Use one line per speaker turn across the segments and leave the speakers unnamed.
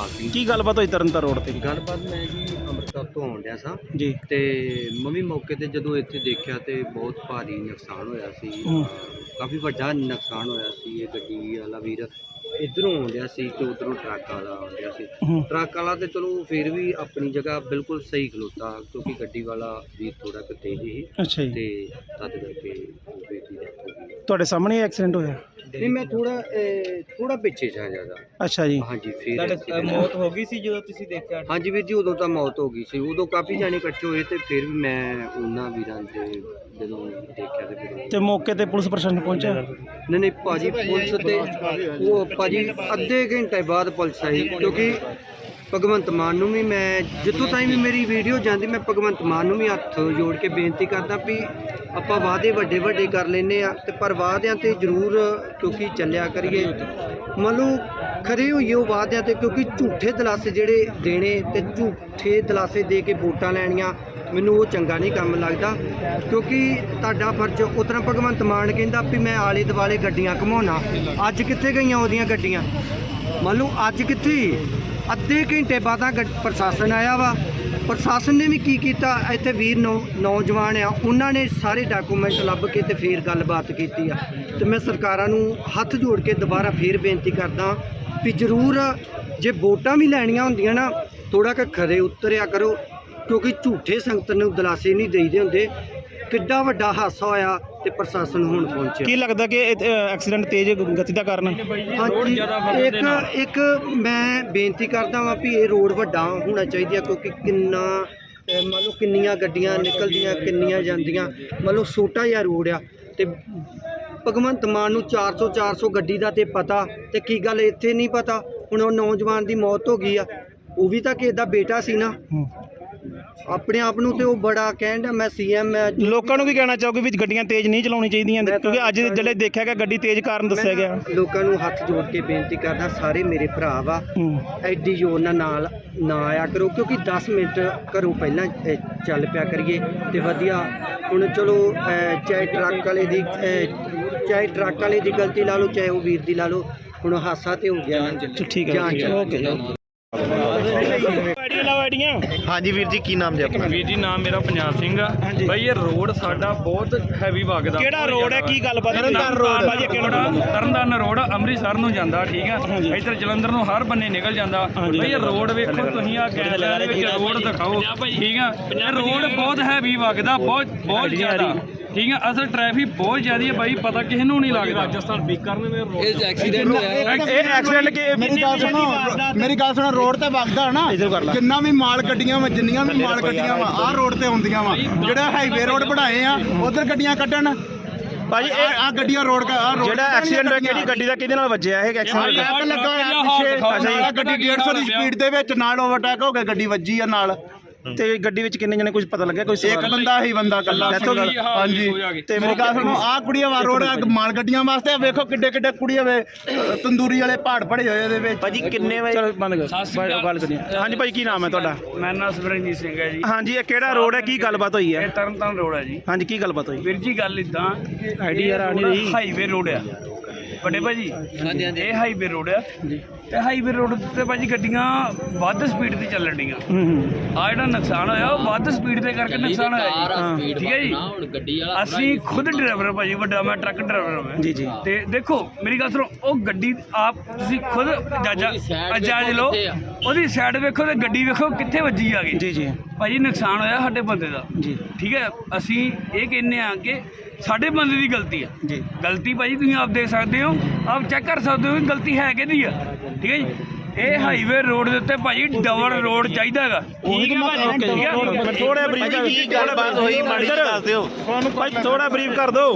ਜਸਪਾਲ ਸਿੰਘ।
ਕੀ ਗੱਲਬਾत ਹੋਈ ਤਰਨਤਾਰਨ ਰੋਡ ਤੇ?
ਗੱਲਬਾत ਮੈਂ ਜੀ ਅੰਮ੍ਰਿਤਸਰ ਤੋਂ ਆਉਣ ਡਿਆ ਸਾਂ
ਜੀ
ਤੇ ਮੰਮੀ ਮੌਕੇ ਤੇ ਜਦੋਂ ਇੱਥੇ ਦੇਖਿਆ ਤੇ ਬਹੁਤ ਭਾਰੀ ਨੁਕਸਾਨ ਹੋਇਆ ਸੀ। ਕਾਫੀ ਵੱਡਾ ਨੁਕਸਾਨ ਹੋਇਆ ਸੀ। ਇਹ ਗੱਡੀ ਵਾਲਾ ਵੀਰ ਇੱਧਰੋਂ ਆਉਂਦਿਆ ਸੀ ਤੇ ਉੱਧਰੋਂ ਟਰੱਕ ਵਾਲਾ ਆਉਂਦਿਆ ਸੀ। ਟਰੱਕ ਵਾਲਾ ਤੇ ਚਲੋ ਫਿਰ ਵੀ ਆਪਣੀ ਜਗ੍ਹਾ ਬਿਲਕੁਲ ਸਹੀ ਖਲੋਤਾ, ਕਿਉਂਕਿ ਗੱਡੀ ਵਾਲਾ ਵੀਰ ਥੋੜਾ ਕੁ ਤੇਜ਼ ਸੀ।
ਅੱਛਾ ਜੀ।
ਤੇ ਤਦ ਕਰਕੇ ਬੇਟੀ ਦੀ death ਹੋ ਗਈ।
ਤੁਹਾਡੇ ਸਾਹਮਣੇ ਐਕਸੀਡੈਂਟ ਹੋਇਆ?
ਨਹੀਂ, ਮੈਂ ਥੋੜਾ ਪਿੱਛੇ ਸਾਂ ਜ਼ਿਆਦਾ।
ਅੱਛਾ ਜੀ।
ਹਾਂਜੀ, ਫਿਰ
ਮੌਤ ਹੋ ਗਈ ਸੀ ਜਦੋਂ ਤੁਸੀਂ ਦੇਖਿਆ?
ਹਾਂਜੀ ਵੀਰ ਜੀ, ਉਦੋਂ ਤਾਂ ਮੌਤ ਹੋ ਗਈ ਸੀ। ਉਦੋਂ ਕਾਫੀ ਜਾਣੇ ਇਕੱਠੇ ਹੋਏ ਤੇ ਫਿਰ ਵੀ ਮੈਂ ਉਹਨਾਂ ਵੀਰਾਂ ਦੇ ਜਦੋਂ ਦੇਖਿਆ ਤੇ ਫਿਰ
ਤੇ ਮੌਕੇ ਤੇ ਪੁਲਿਸ ਪ੍ਰਸ਼ਾਸਨ ਪਹੁੰਚਿਆ?
ਨਹੀਂ ਭਾਜੀ, ਪੁਲਿਸ ਤੇ ਉਹ ਭਾਜੀ ਅੱਧੇ ਘੰਟੇ ਬਾਅਦ ਪੁਲਿਸ ਆਈ, ਕਿਉਂਕਿ ਭਗਵੰਤ ਮਾਨ ਨੂੰ ਵੀ ਮੈਂ ਜਿੱਥੋਂ ਤਾਈਂ ਵੀ ਮੇਰੀ ਵੀਡੀਓ ਜਾਂਦੀ, ਮੈਂ ਭਗਵੰਤ ਮਾਨ ਨੂੰ ਵੀ ਹੱਥ ਜੋੜ ਕੇ ਬੇਨਤੀ ਕਰਦਾ ਵੀ ਆਪਾਂ ਵਾਅਦੇ ਵੱਡੇ ਕਰ ਲੈਂਦੇ ਆ ਤੇ ਪਰ ਵਾਅਦਿਆਂ ਤੇ ਜ਼ਰੂਰ ਕਿਉਂਕਿ ਚੱਲਿਆ ਕਰੀਏ। ਮੰਨ ਲਓ ਖਰੇ ਹੋਈਏ ਉਹ ਵਾਅਦਿਆਂ ਤੇ, ਕਿਉਂਕਿ ਝੂਠੇ ਦਿਲਾਸੇ ਜਿਹੜੇ ਦੇਣੇ ਤੇ ਝੂਠੇ ਦਿਲਾਸੇ ਦੇ ਕੇ ਵੋਟਾਂ ਲੈਣੀਆਂ, ਮੈਨੂੰ ਉਹ ਚੰਗਾ ਨਹੀਂ ਕੰਮ ਲੱਗਦਾ। ਕਿਉਂਕਿ ਤੁਹਾਡਾ ਫਰਜ਼ ਉਸ ਤਰ੍ਹਾਂ ਭਗਵੰਤ ਮਾਨ ਕਹਿੰਦਾ ਵੀ ਮੈਂ ਆਲੇ ਦੁਆਲੇ ਗੱਡੀਆਂ ਘੁਮਾਉਣਾ, ਅੱਜ ਕਿੱਥੇ ਗਈਆਂ ਉਹਦੀਆਂ ਗੱਡੀਆਂ? ਮੰਨ ਲਓ ਅੱਜ ਕਿੱਥੇ? ਅੱਧੇ ਘੰਟੇ ਬਾਅਦ ਪ੍ਰਸ਼ਾਸਨ ਆਇਆ ਵਾ। ਪ੍ਰਸ਼ਾਸਨ ਨੇ ਵੀ ਕੀ ਕੀਤਾ, ਇੱਥੇ ਵੀਰ ਨੌਜਵਾਨ ਆ, ਉਹਨਾਂ ਨੇ ਸਾਰੇ ਡਾਕੂਮੈਂਟ ਲੱਭ ਕੇ ਤੇ ਫਿਰ ਗੱਲਬਾਤ ਕੀਤੀ ਆ। ਤੇ ਮੈਂ ਸਰਕਾਰਾਂ ਨੂੰ ਹੱਥ ਜੋੜ ਕੇ ਦੁਬਾਰਾ ਫਿਰ ਬੇਨਤੀ ਕਰਦਾ ਵੀ ਜ਼ਰੂਰ ਜੇ ਵੋਟਾਂ ਵੀ ਲੈਣੀਆਂ ਹੁੰਦੀਆਂ ਨਾ, ਥੋੜਾ ਕੁ ਖਰੇ ਉਤਰਿਆ ਕਰੋ, ਕਿਉਂਕਿ ਝੂਠੇ ਸੰਗਤ ਨੂੰ ਦਿਲਾਸੇ ਨਹੀਂ ਦੇਈਦੇ ਹੁੰਦੇ। ਕਿੱਡਾ ਵੱਡਾ ਹਾਦਸਾ ਹੋਇਆ ਤੇ ਪ੍ਰਸ਼ਾਸਨ ਹੁਣ ਪਹੁੰਚਿਆ।
ਕੀ ਲੱਗਦਾ ਕਿ ਐਕਸੀਡੈਂਟ ਤੇਜ਼ ਗਤੀ ਦਾ ਕਾਰਨ?
ਹਾਂਜੀ, ਇੱਕ ਮੈਂ ਬੇਨਤੀ ਕਰਦਾ ਵਾਂ ਵੀ ਇਹ ਰੋਡ ਵੱਡਾ ਹੋਣਾ ਚਾਹੀਦਾ, ਕਿਉਂਕਿ ਕਿੰਨਾ ਮੰਨ ਲਓ ਕਿੰਨੀਆਂ ਗੱਡੀਆਂ ਨਿਕਲਦੀਆਂ, ਕਿੰਨੀਆਂ ਜਾਂਦੀਆਂ। ਮੰਨ ਲਓ ਛੋਟਾ ਜਿਹਾ ਰੋਡ ਆ ਤੇ ਭਗਵੰਤ ਮਾਨ ਨੂੰ 400 ਗੱਡੀ ਦਾ ਤੇ ਪਤਾ, ਤੇ ਕੀ ਗੱਲ ਇੱਥੇ ਨਹੀਂ ਪਤਾ? ਹੁਣ ਉਹ ਨੌਜਵਾਨ ਦੀ ਮੌਤ ਹੋ ਗਈ ਆ, ਉਹ ਵੀ ਤਾਂ ਕਿਸੇ ਦਾ ਬੇਟਾ ਸੀ ਨਾ। ਆਪਣੇ ਆਪ ਨੂੰ ਤੇ ਉਹ ਬੜਾ ਕਹਿੰਦਾ ਮੈਂ ਸੀਐਮ। ਮੈਂ
ਲੋਕਾਂ ਨੂੰ ਵੀ ਕਹਿਣਾ ਚਾਹੋਗੇ ਵੀ ਗੱਡੀਆਂ ਤੇਜ਼ ਨਹੀਂ ਚਲਾਉਣੀ ਚਾਹੀਦੀਆਂ, ਕਿਉਂਕਿ ਅੱਜ ਜਿਹੜੇ ਦੇਖਿਆ ਗਿਆ ਗੱਡੀ ਤੇਜ਼ ਕਾਰਨ ਦੱਸਿਆ ਗਿਆ।
ਲੋਕਾਂ ਨੂੰ ਹੱਥ ਜੋੜ ਕੇ ਬੇਨਤੀ ਕਰਦਾ, ਸਾਰੇ ਮੇਰੇ ਭਰਾ ਵਾ, ਐਡੀ ਜ਼ੋਰ ਨਾਲ ਨਾ ਆਇਆ ਕਰੋ, ਕਿਉਂਕਿ 10 ਮਿੰਟ ਘਰੋਂ ਪਹਿਲਾਂ ਚੱਲ ਪਿਆ ਕਰੀਏ ਤੇ ਵਧੀਆ। ਹੁਣ ਚਲੋ ਚਾਹੇ ਟਰੱਕ ਵਾਲੇ ਦੀ ਗਲਤੀ ਲਾ ਲਓ, ਚਾਹੇ ਉਹ ਵੀਰ ਦੀ ਲਾ ਲਓ, ਹੁਣ ਹਾਦਸਾ ਤੇ ਹੋ ਗਿਆ।
ਠੀਕ ਹੈ, ਓਕੇ।
ਹਾਂਜੀ ਵੀਰ ਜੀ, ਕੀ ਨਾਮ ਜੀ ਆਪਣਾ?
ਵੀਰ ਜੀ, ਨਾਮ ਮੇਰਾ ਪੰਜਾਬ ਸਿੰਘ ਆ। ਬਾਈ ਇਹ ਰੋਡ ਸਾਡਾ ਬਹੁਤ ਹੈਵੀ ਵਗਦਾ।
ਕਿਹੜਾ ਰੋਡ ਹੈ, ਕੀ ਗੱਲਬਾਤ?
ਤਰਨਤਾਰਨ ਰੋਡ ਅੰਮ੍ਰਿਤਸਰ ਨੂੰ ਜਾਂਦਾ, ਠੀਕ ਆ। ਇੱਧਰ ਜਲੰਧਰ ਨੂੰ ਹਰ ਬੰਨੇ ਨਿਕਲ ਜਾਂਦਾ। ਬਾਈ ਇਹ ਰੋਡ ਵੇਖੋ ਤੁਸੀਂ, ਆ ਕੈਮਰੇ ਦੇ ਵਿੱਚ ਰੋਡ ਦਿਖਾਓ, ਠੀਕ ਆ। ਇਹ ਰੋਡ ਬਹੁਤ ਹੈਵੀ ਵਗਦਾ, ਬਹੁਤ ਜ਼ਿਆਦਾ, ਠੀਕ ਆ। ਅਸਲ ਟ੍ਰੈਫਿਕ ਬਹੁਤ ਜ਼ਿਆਦਾ ਹੈ ਬਾਈ, ਪਤਾ ਕਿਸੇ ਨੂੰ ਨਹੀਂ ਲੱਗਦਾ। ਰਾਜਸਥਾਨ ਬੀਕਾਨੇਰ में ਇਹ ਐਕਸੀਡੈਂਟ ਹੋਇਆ।
ਇਹ ਐਕਸੀਡੈਂਟ
ਮੇਰੀ ਗੱਲ ਸੁਣੋ, ਰੋਡ ਤੇ ਵਗਦਾ ਨਾ, ਕਿੰਨਾ ਵੀ ਮਾਲ ਗੱਡੀਆਂ ਵਾ, ਜਿੰਨੀਆਂ ਵੀ ਮਾਲ ਗੱਡੀਆਂ ਵਾ ਆਹ ਰੋਡ ਤੇ ਹੁੰਦੀਆਂ ਵਾ। ਜਿਹੜਾ ਹਾਈਵੇ ਰੋਡ ਬਣਾਏ ਆ ਉਧਰ ਗੱਡੀਆਂ ਕੱਢਣ
ਭਾਜੀ।
ਆ ਗੱਡੀਆਂ ਰੋਡ
ਜਿਹੜਾ ਐਕਸੀਡੈਂਟ ਹੋਇਆ ਕਿਹੜੀ ਗੱਡੀ ਦਾ, ਕਿਹਦੇ ਨਾਲ ਵੱਜਿਆ ਇਹ ਐਕਸੀਡੈਂਟ?
ਲੱਗਾ ਹੋਇਆ ਪਿੱਛੇ, ਗੱਡੀ 150 ਦੀ ਸਪੀਡ ਦੇ ਵਿੱਚ ਨਾਲ ਓਵਰਟੇਕ ਹੋ ਕੇ ਗੱਡੀ ਵੱਜੀ ਆ ਨਾਲ।
ਤੇ ਗੱਡੀ ਵਿੱਚ ਕਿੰਨੇ ਜਣੇ, ਕੁਝ ਪਤਾ ਲੱਗਿਆ? ਕੋਈ
ਇੱਕ ਬੰਦਾ ਹੀ ਬੰਦਾ ਇਕੱਲਾ। ਹਾਂਜੀ, ਤੇ ਮੇਰੀ ਗੱਲ ਸੁਣੋ, ਆਹ ਕੁੜੀਆਂ ਵਾ ਰੋਡ ਮਾਲ ਗੱਡੀਆਂ ਵਾਸਤੇ ਵੇਖੋ ਕਿੱਡੇ ਕੁੜੀਆਂ ਵੇ ਤੰਦੂਰੀ ਵਾਲੇ ਪਹਾੜ ਪੜੇ ਹੋਏ ਇਹਦੇ ਵਿੱਚ।
ਭਾਜੀ ਕਿੰਨੇ ਵਜੇ? ਚਲੋ ਬੰਦ ਕਰ ਗੱਲ ਕਰੀਏ। ਹਾਂਜੀ ਭਾਈ, ਕੀ ਨਾਮ ਹੈ ਤੁਹਾਡਾ?
ਮੇਰਾ ਨਾਮ ਸੁਰਿੰਦਰ ਸਿੰਘ ਹੈ ਜੀ।
ਹਾਂਜੀ, ਇਹ ਕਿਹੜਾ ਰੋਡ ਹੈ, ਕੀ ਗੱਲਬਾਤ ਹੋਈ ਹੈ?
ਇਹ ਤਰਨਤਾਰਨ ਰੋਡ ਹੈ ਜੀ।
ਹਾਂਜੀ, ਕੀ ਗੱਲਬਾਤ ਹੋਈ?
ਵੀਰ ਜੀ ਗੱਲ ਇਦਾਂ,
ਆਈਡੀ ਯਾਰ ਆ ਨਹੀਂ ਰਹੀ।
ਹਾਈਵੇ ਰੋਡ ਆ ਵੱਡੇ ਭਾਜੀ। ਹਾਂਜੀ, ਇਹ ਹਾਈਵੇ ਰੋਡ ਆ ਤੇ ਹਾਈਵੇ ਰੋਡ ਤੇ ਭਾਜੀ ਗੱਡੀਆਂ ਵੱਧ ਸਪੀਡ ਤੇ ਚੱਲਣ ਡੀਆਂ। ਆ ਜਿਹੜਾ ਨੁਕਸਾਨ ਹੋਇਆ ਉਹ ਵੱਧ ਸਪੀਡ ਦੇ ਕਰਕੇ ਨੁਕਸਾਨ ਹੋਇਆ ਜੀ, ਠੀਕ ਹੈ ਜੀ। ਅਸੀਂ ਖੁਦ ਡਰਾਈਵਰ ਭਾਜੀ, ਵੱਡਾ ਮੈਂ ਟਰੱਕ ਡਰਾਈਵਰ ਹਾਂ
ਜੀ।
ਤੇ ਦੇਖੋ ਮੇਰੀ ਗੱਲ ਸੁਣੋ, ਉਹ ਗੱਡੀ ਆਪ ਤੁਸੀਂ ਖੁਦ ਜਾਇਜ਼ ਲਓ, ਉਹਦੀ ਸਾਈਡ ਵੇਖੋ ਤੇ ਗੱਡੀ ਵੇਖੋ ਕਿੱਥੇ ਵੱਜੀ ਆ ਗਈ।
ਜੀ
ਭਾਜੀ ਨੁਕਸਾਨ ਹੋਇਆ ਸਾਡੇ ਬੰਦੇ ਦਾ ਜੀ, ਠੀਕ ਹੈ। ਅਸੀਂ ਇਹ ਕਹਿੰਦੇ ਆ ਕਿ ਸਾਡੇ ਬੰਦੇ ਦੀ ਗਲਤੀ ਆ ਜੀ। ਗਲਤੀ ਭਾਜੀ ਤੁਸੀਂ ਆਪ ਦੇਖ ਸਕਦੇ ਹੋ, ਆਪ ਚੈੱਕ ਕਰ ਸਕਦੇ ਹੋ ਕਿ ਗਲਤੀ ਹੈ ਕਿਹਦੀ ਆ, ਠੀਕ ਹੈ ਜੀ। ਇਹ ਹਾਈਵੇ ਰੋਡ ਦੇ ਉੱਤੇ ਭਾਜੀ ਡਬਲ ਰੋਡ ਚਾਹੀਦਾ ਹੈਗਾ।
ਥੋੜਾ ਬਰੀਫ ਕੀ ਗੱਲਬਾਤ ਹੋਈ ਮਾੜੀ ਜਿਹੀ ਦੱਸ ਦਿਓ ਭਾਈ, ਥੋੜਾ ਬਰੀਫ ਕਰ ਦਿਓ।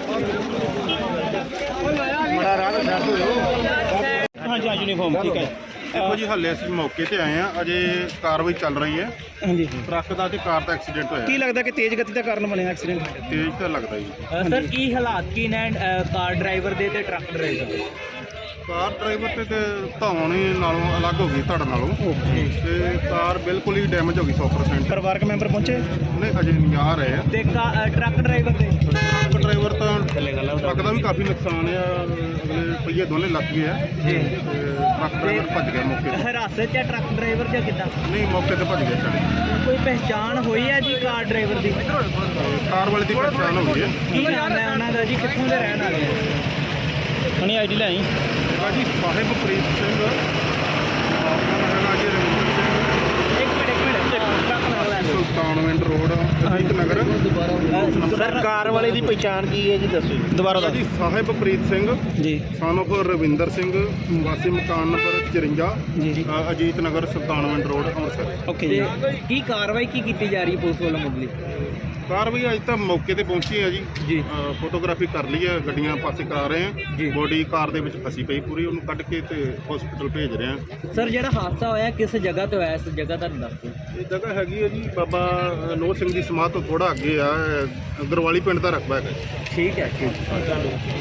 ਹਾਂਜੀ ਯੂਨੀਫਾਰਮ, ਠੀਕ ਹੈ।
देखो जी, हल्ले ਅਸੀਂ ਮੌਕੇ ਤੇ ਆਏ ਆ, ਅਜੇ ਕਾਰਵਾਈ ਚੱਲ ਰਹੀ ਹੈ।
ਹਾਂਜੀ,
ਟਰੱਕ ਦਾ ਤੇ ਕਾਰ ਦਾ ਐਕਸੀਡੈਂਟ ਹੋਇਆ।
ਕੀ ਲੱਗਦਾ ਕਿ ਤੇਜ਼ ਗਤੀ ਦਾ ਕਾਰਨ ਬਣਿਆ ਐਕਸੀਡੈਂਟ?
ਤੇਜ਼ ਤਾਂ ਲੱਗਦਾ ਜੀ।
ਸਰ ਕੀ ਹਾਲਾਤ ਕੀ ਨੇ ਕਾਰ ਡਰਾਈਵਰ ਦੇ ਤੇ ਟਰੱਕ ਡਰਾਈਵਰ ਦੇ?
ਕਾਰ ਡਰਾਈਵਰ ਤੇ ਧੌਣੀ ਨਾਲੋਂ ਅਲੱਗ ਹੋ ਗਈ ਧੜ ਨਾਲੋਂ ਤੇ ਕਾਰ ਬਿਲਕੁਲ ਹੀ ਡੈਮੇਜ ਹੋ ਗਈ 100%।
ਪਰਿਵਾਰਕ ਮੈਂਬਰ ਪਹੁੰਚੇ?
ਨਹੀਂ ਅਜੇ ਨਹੀਂ ਆ ਰਹੇ ਆ।
ਤੇ ਟਰੱਕ ਡਰਾਈਵਰ ਦੇ
ਟਰੱਕ ਡਰਾਈਵਰ ਤਾਂ ਟਰੱਕ ਦਾ ਵੀ ਕਾਫੀ ਨੁਕਸਾਨ ਆ, ਅਗਲੇ ਪਹੀਏ ਦੋਨੇ ਲੱਗ ਗਏ ਆ ਤੇ ਟਰੱਕ ਡਰਾਈਵਰ ਭੱਜ ਗਿਆ ਮੌਕੇ ਤੇ।
ਹਿਰਾਸਤ 'ਚ ਹੈ ਟਰੱਕ ਡਰਾਈਵਰ ਜਾਂ ਕਿੱਦਾਂ?
ਨਹੀਂ ਮੌਕੇ ਤੇ ਭੱਜ ਗਿਆ ਚੜ।
ਕੋਈ ਪਹਿਚਾਣ ਹੋਈ ਹੈ ਜੀ ਕਾਰ ਡਰਾਈਵਰ ਦੀ?
ਕਾਰ ਵਾਲੇ ਦੀ ਪਛਾਣ ਹੋ ਗਈ ਹੈ।
ਕੀ ਨਾਮ ਹੈ ਉਹਨਾਂ ਦਾ ਜੀ, ਕਿੱਥੋਂ ਦੇ ਰਹਿਣ ਵਾਲੇ ਆ?
ਹਣੀ ਆਈਡੀ ਲੈ ਆਈ।
ਜੀ ਸਾਹਿਬਪ੍ਰੀਤ ਸਿੰਘ, ਆਪਣਾ ਹੈਗਾ ਜੀ ਰਵਿੰਦਰ ਸਿੰਘ,
ਇੱਕ ਮਿੰਟ ਟਰੱਕ ਨਾਲ ਲੈ ਲਓ।
Sultanwind road Ajit Nagar.
Sir car ਵਾਲੇ ਦੀ ਪਛਾਣ ਕੀ ਹੈ ਜੀ, ਦੱਸੋ ਦੁਬਾਰਾ
ਜੀ ਸਾਹਿਬਪ੍ਰੀਤ ਸਿੰਘ
ਜੀ
son of ਰਵਿੰਦਰ ਸਿੰਘ, ਵਾਸੀ ਮਕਾਨ number 54 Ajit Nagar Sultanwind road Amritsar.
Okay ਜੀ।
ਤੇ ਕੀ ਕਾਰਵਾਈ ਕੀ ਕੀਤੀ ਜਾ ਰਹੀ ਹੈ ਪੁਲਿਸ ਵੱਲੋਂ ਮੁੱਢਲੀ?
ਕਾਰਵਾਈ ਅੱਜ ਤਾਂ ਮੌਕੇ ਤੇ ਪਹੁੰਚੀ ਹੈ ਜੀ।
ਜੀ।
ਫੋਟੋਗ੍ਰਾਫੀ ਕਰ ਲਈ ਹੈ, ਗੱਡੀਆਂ ਪਾਸੇ ਕਰਾ ਰਹੇ
ਜੀ।
ਆ। ਬੋਡੀ ਕਾਰ ਦੇ ਵਿੱਚ ਫਸੀ ਪਈ ਪੂਰੀ, ਉਹਨੂੰ ਕੱਢ ਕੇ ਤੇ ਹਸਪੀਟਲ ਭੇਜ ਰਹੇ ਆ।
ਸਰ ਜਿਹੜਾ ਹਾਦਸਾ ਹੋਇਆ ਕਿਸ ਜਗ੍ਹਾ ਤੇ ਹੋਇਆ, ਇਸ ਜਗ੍ਹਾ ਦਾ ਦੱਸ ਦਿਓ।
ਇਹ ਜਗ੍ਹਾ ਹੈਗੀ ਹੈ ਜੀ ਬਾਬਾ ਨੋਹ ਸਿੰਘ ਦੀ ਸਮਾਧ ਤੋਂ ਥੋੜਾ ਅੱਗੇ ਆ, ਗਰਵਾਲੀ ਪਿੰਡ ਦਾ ਰਕਬਾ ਹੈਗਾ ਜੀ।
ਠੀਕ ਹੈ, ਠੀਕ।